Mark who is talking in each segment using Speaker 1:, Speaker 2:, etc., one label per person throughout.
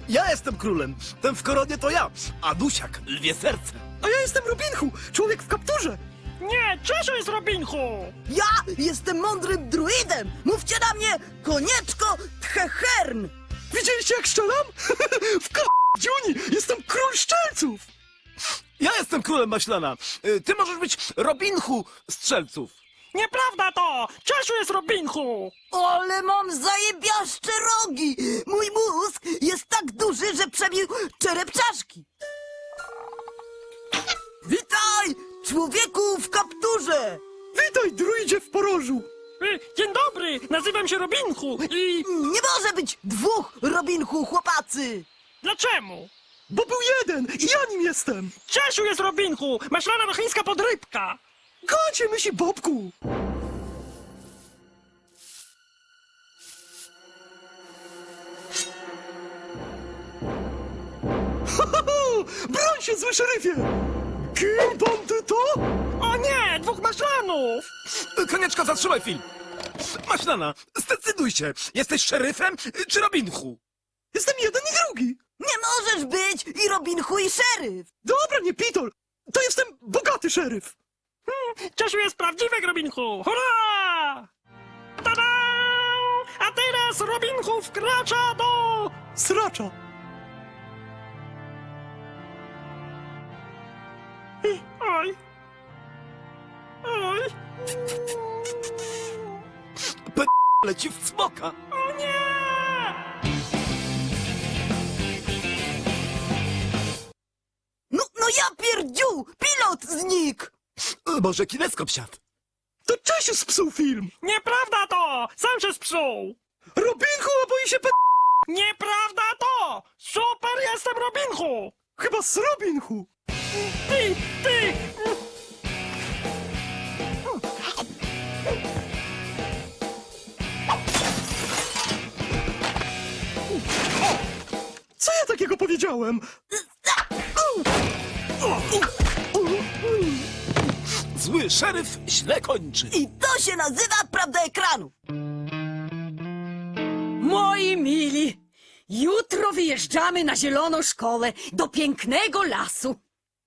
Speaker 1: Ja jestem królem. Ten w koronie to ja. A Dusiak, lwie serce.
Speaker 2: A ja jestem Robinhu, człowiek w kapturze.
Speaker 3: Nie, Czesiu jest Robinhu!
Speaker 4: Ja jestem mądrym druidem! Mówcie na mnie Konieczko Tchechern!
Speaker 2: Widzieliście jak strzelam? Dziuni, jestem król szczelców.
Speaker 1: Ja jestem królem maślana. Ty możesz być Robinhu strzelców.
Speaker 3: Nieprawda to! Czesiu jest Robinhu!
Speaker 4: Ale mam zajebiaszcze rogi! Mój mózg jest tak duży, że przebił czerep czaszki! Witaj, człowieku w kapturze!
Speaker 2: Witaj, druidzie w porożu.
Speaker 3: Dzień dobry, nazywam się Robinhu i...
Speaker 4: Nie może być dwóch Robinhu chłopacy!
Speaker 3: Dlaczemu?
Speaker 2: Bo był jeden i ja nim jestem.
Speaker 3: Czesiu jest Robinhu! Maślana chińska podrybka!
Speaker 2: Kocie myśli Bobku. Broń się, zły szeryfie! Kim bandyto?
Speaker 3: O nie, dwóch maślanów!
Speaker 1: Konieczko, zatrzymaj film. Maślana, zdecyduj się. Jesteś szeryfem czy Robinhu?
Speaker 2: Jestem jeden i drugi.
Speaker 4: Nie możesz być i Robinhu i szeryf!
Speaker 2: Dobra, nie pitol. To jestem bogaty szeryf.
Speaker 3: Czesiu jest prawdziwy Robinhu! Hurra! Tada! A teraz Robinhu wkracza do...
Speaker 2: Sracza.
Speaker 3: Oj! Oj!
Speaker 1: Leci w smoka.
Speaker 3: O nie!
Speaker 4: No ja pierdziu! Pilot znikł!
Speaker 1: Może kineskop siadł.
Speaker 2: To Czesiu spsuł film.
Speaker 3: Nieprawda to! Sam się spsuł!
Speaker 2: Robinhu boi się
Speaker 3: Nieprawda to! Super jestem Robinhu!
Speaker 2: Chyba z Robinhu.
Speaker 3: Ty!
Speaker 2: Co ja takiego powiedziałem?
Speaker 1: Zły szeryf źle kończy.
Speaker 4: I to się nazywa prawda ekranu!
Speaker 5: Moi mili, jutro wyjeżdżamy na zieloną szkołę do pięknego lasu.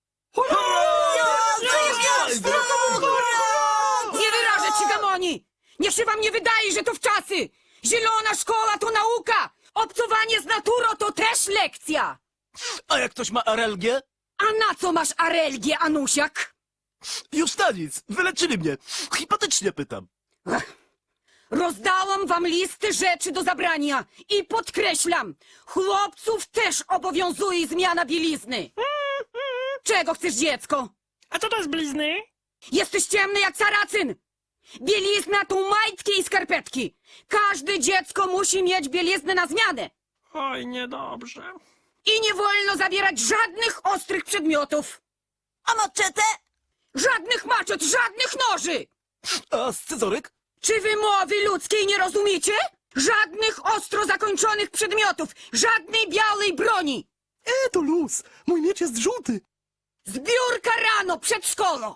Speaker 5: Nie wyrażę ci, Gamoni! Niech się wam nie wydaje, że to wczasy! Zielona szkoła to nauka! Obcowanie z naturą to też lekcja!
Speaker 1: A jak ktoś ma arelgię?
Speaker 5: A na co masz arelgię, Anusiak?
Speaker 1: Już na nic. Wyleczyli mnie. Hipotetycznie pytam.
Speaker 5: Rozdałam wam listy rzeczy do zabrania i podkreślam, chłopców też obowiązuje zmiana bielizny. Czego chcesz, dziecko?
Speaker 3: A co to jest blizny?
Speaker 5: Jesteś ciemny jak saracyn. Bielizna to majtki i skarpetki. Każde dziecko musi mieć bieliznę na zmianę.
Speaker 3: Oj, niedobrze.
Speaker 5: I nie wolno zabierać żadnych ostrych przedmiotów.
Speaker 4: A maczetę?
Speaker 5: Żadnych maczet, żadnych noży.
Speaker 1: A scyzoryk?
Speaker 5: Czy wy mowy ludzkiej nie rozumiecie? Żadnych ostro zakończonych przedmiotów, żadnej białej broni.
Speaker 2: To luz. Mój miecz jest żółty.
Speaker 5: Zbiórka rano przed szkołą.